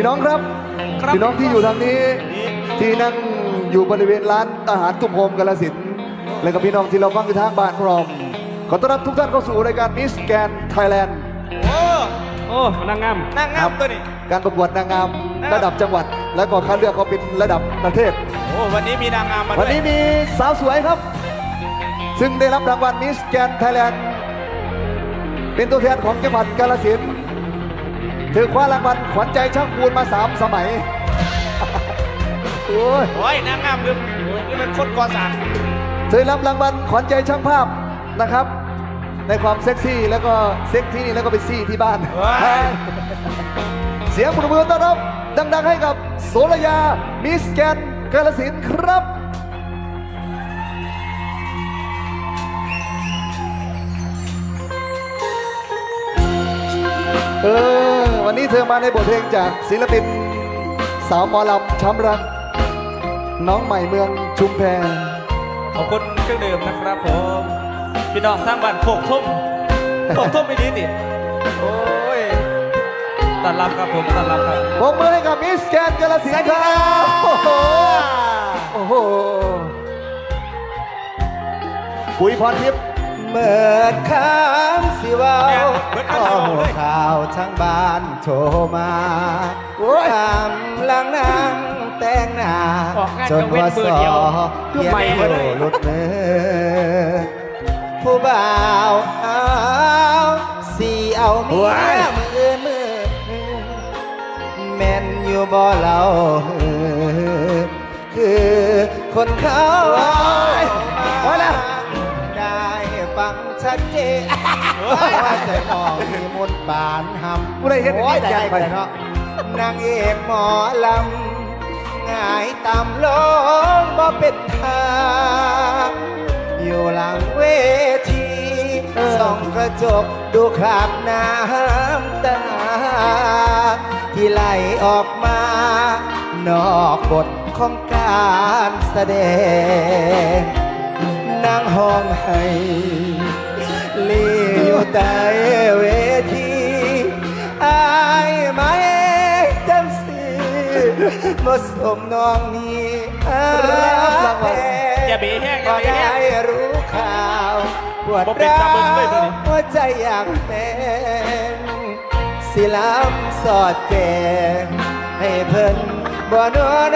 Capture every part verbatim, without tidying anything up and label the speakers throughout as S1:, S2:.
S1: พี่น้องครับพี่น้องที่อยู่ทางนี้ที่นั่งอยู่บริเวณร้านอาหารตุ้มโฮมกาฬสินธุ์และกับพี่น้องที่เราฟังอยู่ทางบ้านพร้อมขอต้อนรับทุกท่านเข้าสู่รายการมิสแกนไทยแลนด์
S2: โอ้โอ้นางงามนางงามตัวนี้
S1: การประกวดนางงามระดับจังหวัดและก็คัดเลือกเขาเป็นระดับประเทศ
S2: โอ้วันนี้มีนางงามมาด้วย
S1: วันนี้มีสาวสวยครับซึ่งได้รับรางวัลมิสแกนไทยแลนด์เป็นตัวแทนของจังหวัดกาฬสินธุ์ถือคว้ารางวัลขวัญใจช่างปูนมาสามสมัยโอ้ย
S2: โอ้ยนางงามลืมนี่มันคนก่อสร้าง
S1: เธอรับรางวัลขวัญใจช่างภาพนะครับในความเซ็กซี่แล้วก็เซ็กที่นี่แล้วก็เป็นซี่ที่บ้านเสียงปรบมือต้อนรับดังๆให้กับโสระยามิสแกนกาฬสินธุ์ครับเออวันนี้เธอมาในบทเพลงจากศิลปินสาวหมอลำช้ำรักน้องใหม่เมืองชุมแพ
S2: ขอบคุณเครื่องดื่มนะครับผมพี่น้องทางบ้านโขกทุ่มโขกทุ่มไม่ดีดิโอ้ยต้อนรับครับผมต้อนรับครับ
S1: ปรบมือให้กับมิสแกนกาฬสินธุ์ครับโอ้โหโอ้โหปุ๋ยพรทิพย์
S3: เมื่อค้างสิว่าข้อหัวข่าวทั้งบ้านโทรมาตามลังนั่งแต่งหน้าจนว่าสอเพียงโผล่หลุดมือผู้บ่าวเอาสีเอาเมียมือมือแม่นอยู่บ่เราคือคนเขา
S1: เอาละ
S3: ฟังชัดเจนว่าใจมองมีมนปานหำ
S1: ผู้ใดเห็นได้ใจไปเนาะ
S3: นางเอกหมอลำง่ายต่ำลงบ่เป็นทางอยู่หลังเวทีส่องกระจกดูคราบน้ำตาที่ไหลออกมานอกบทของการแสดงนางห้องให้ลีอยู่ใต้เวทีอายไม่จังสิมาสมน้องนี้
S2: อย่าเบี้ยแห้งอย่าเบี้ยแห้ง
S3: รู้ข่าวปวดร้าวหัวใจอยากเป็นสิลำสอดแกงให้เพิ่นบ่นอน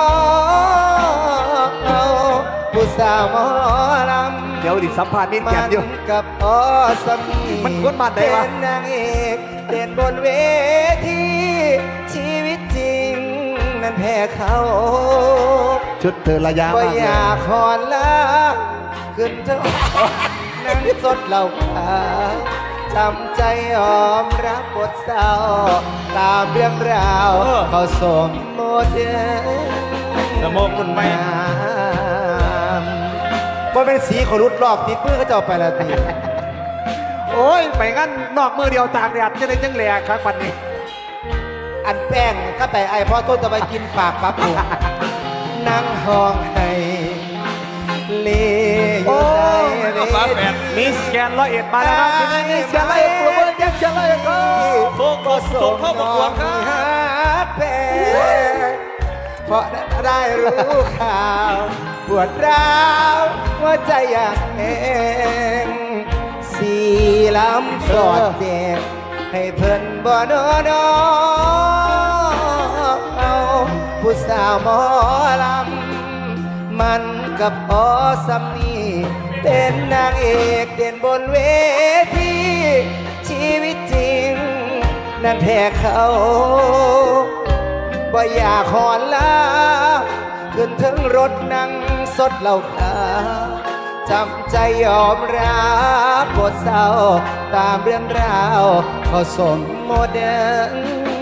S3: เอาผู้สาวหมอลำ
S1: เดี๋ยวดิสัมภาษณ์นิดแกนอยู่
S3: กับอสมี
S1: มันกดบัตรได้วะ
S3: เป็นนางเอกเด่นบนเวทีชีวิตจริงนั้นแพ้เขา
S1: ชุดเธอระยะ
S3: มากเลยอยากขอนลาขึ้นเท่านั่งสดเหล่าขาวจำใจยอมรับบทเศร้าตามเรื่องราวเขาสมโมเด
S2: ลโมกุนไม่
S3: ว่าเป็นสีขรุดรอบติดมือเขาจะไปละที
S1: โอ้ยไปงั้นนอกมือเดียวตากแดดจะได้จังแหลกครับปันนี้
S3: อันแป้งก็แต่ไอพ่อต้นจะไปกินปากปั๊บผมนั่งห้องให้เลี้ย
S1: มิสแกนร้อยเอ็ดมาแล้วครับมิสแกนร้อยเอ็ดประเมินยังจะร้อยเอ็ดก็
S2: โค้งก็ส่งเข้าประกวดครับ
S3: เพราะได้รู้ข่าวปวดร้าวหัวใจอยากเองสีล้ำสอดเจ็บให้เพิ่นบ่นอนเอาผู้สาวหมอลำมันกับอสามีเป็นนางเอกเด่นบนเวทีชีวิตจริงนั้นแพ้เขาบ่อยากขอนลาขึ้นถึงรถนั่งสดเหล่าขาวจำใจยอมรับบทเศร้าตามเรื่องราวเขาสมโมเดล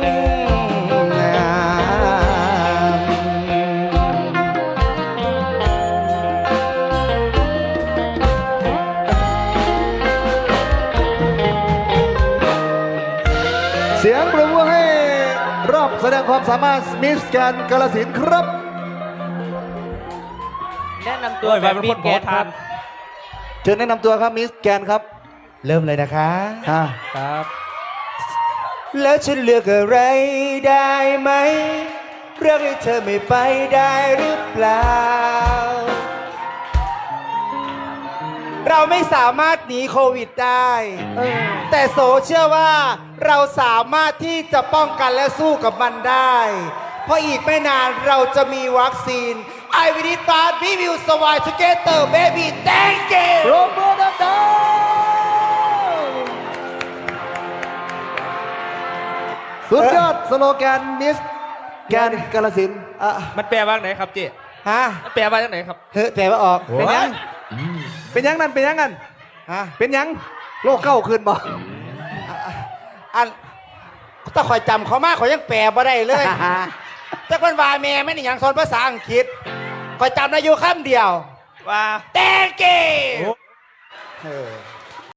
S1: เสียงปรบมือให้รอบแสดงความสามารถมิสแกนกาฬสินธุ์ครับ
S2: แนะนำตัวแบบมิสแกนครับ
S1: เชิญแนะนำตัวครับมิสแกนครับ
S3: เริ่มเลยนะคะ
S1: ค่ะ
S2: ครับ
S3: แล้วฉันเลือกอะไรได้ไหมเรื่องให้เธอไม่ไปได้หรือเปล่า เราไม่สามารถหนีโควิดได้
S1: เออ
S3: แต่โสเชื่อว่าเราสามารถที่จะป้องกันและสู้กับมันได้ เพราะอีกไม่นานเราจะมีวัคซีน I will be fast we will survive together baby thank you
S1: โรเบิร์ตดาสุดยอดสโลแกนมิสแกนกาลสินธุ์
S3: อ่ะ
S2: มันแปลว่าไหนครับเจ๊
S3: ฮะ
S2: มันแปลว่าจากไหนครับ
S3: เฮ้ยแต่ว่าออก
S1: เป็นยัง เป็นยังนั่นเป็นยังกัน
S3: ฮะ
S1: เป็นยังโลกเก้าขึ้นบ่
S3: อันถ้าคอยจำเขามากเขายังแปลบ่ได้เลยจักมันว่าแม่ไม่ได้หยังสอนภาษาอังกฤษคอยจำได้อยู่คำเดียว
S2: ว่า
S3: thank you
S2: โอ้
S3: เออ